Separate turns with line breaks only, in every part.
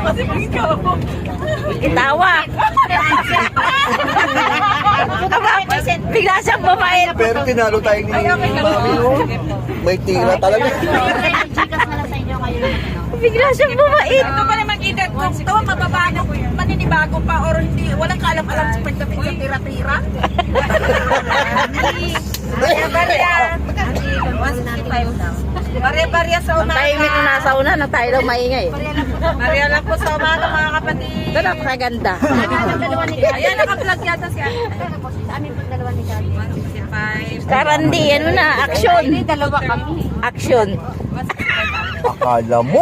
kasi ikaw.
Itawa. Bigla siyang bumait.
Pero tinalo tayo ni Mami noon. May tira talaga.
Bigla siyang bumait.
Ito pa naman edad kung ito, mababago, maninibago pa or hindi, walang kaalam-alam sa pagdating sa tira-tira. Barya-barya. 165 lang. Barya-barya sa
Ang
umaga.
tahimik na nasa una na tayo daw maingay.
Barya lang po sa umaga mga kapatid.
Ito napakaganda.
Ayan, naka-vlog yata siya.
Karandi, ano na, action.
Dalawa kami.
Action.
Akala mo.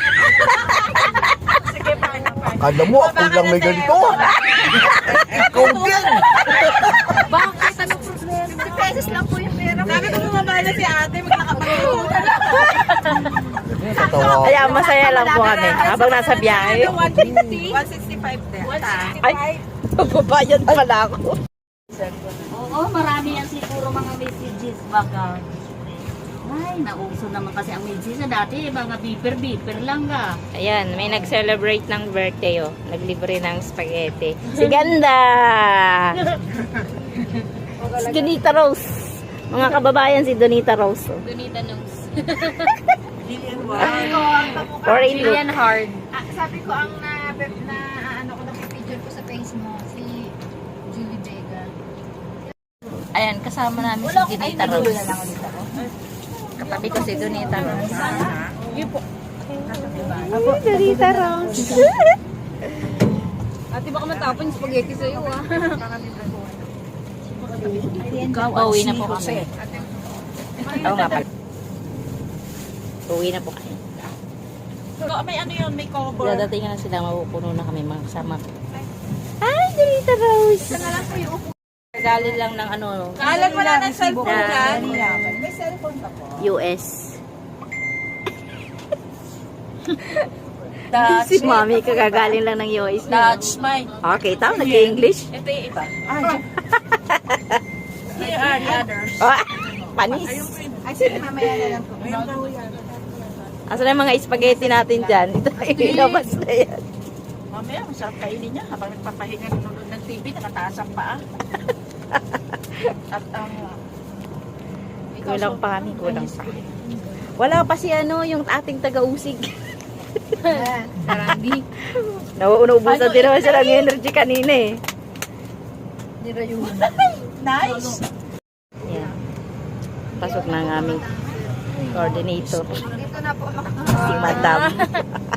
Akala mo, ako lang may ganito. Ikaw din.
Bakit? Ano problema? 50 pesos lang po yung pera. Sabi ko bumaba na si ate, magkakapagpunan.
Tatawa.
Kaya masaya lang po kami habang nasa biyahe.
150? 165 din.
Ay, babayad pala ako.
Oo, marami yan siguro mga messages baka. Ay, nauso naman kasi ang messages na dati, mga beeper lang ka.
Ayan, may nag-celebrate ng birthday, oh. Naglibre ng spaghetti. Si Ganda! Si Donita Rose. Mga kababayan, si Donita Rose. Oh.
Donita Nose.
Foreign look.
Lilian Hard.
Sabi ko ang ano ko picture ko sa face mo si Julie Vega.
Ayan, kasama namin si Donita Rose. Katabi ko si Donita Rose. Donita Rose.
Ate, baka matapon yung spaghetti sa'yo, ah.
Pauwi na po kami. Oo nga pala. Pauwi na po kami.
May ano yun, may cover.
Dadating na sila, mapupuno na kami mga kasama ko. Ay, Donita Rose! Galing lang ng ano,
Kaalan wala ng cellphone
Na-
dyan. May cellphone pa po.
US. Si Mami, kagagaling lang ng US.
Touch my.
Okay, tao, nag-English.
Ito yung iba. Here are the others.
Oh, panis.
Ay, sige, mamaya na lang po.
Asa na yung mga spaghetti natin dyan? Ito, ilabas na yan.
Mamaya, masarap kainin niya. Habang nagpapahinga nanonood ng TV, nakataas ang paa. At ang...
Kulang pa kami, kulang pa. Wala pa si ano, yung ating taga-usig.
Sarandi.
Nauubusan din naman siya ng energy kanina eh.
Nice!
Yan. Pasok na ang aming coordinator.
Dito na po.
Si Madam.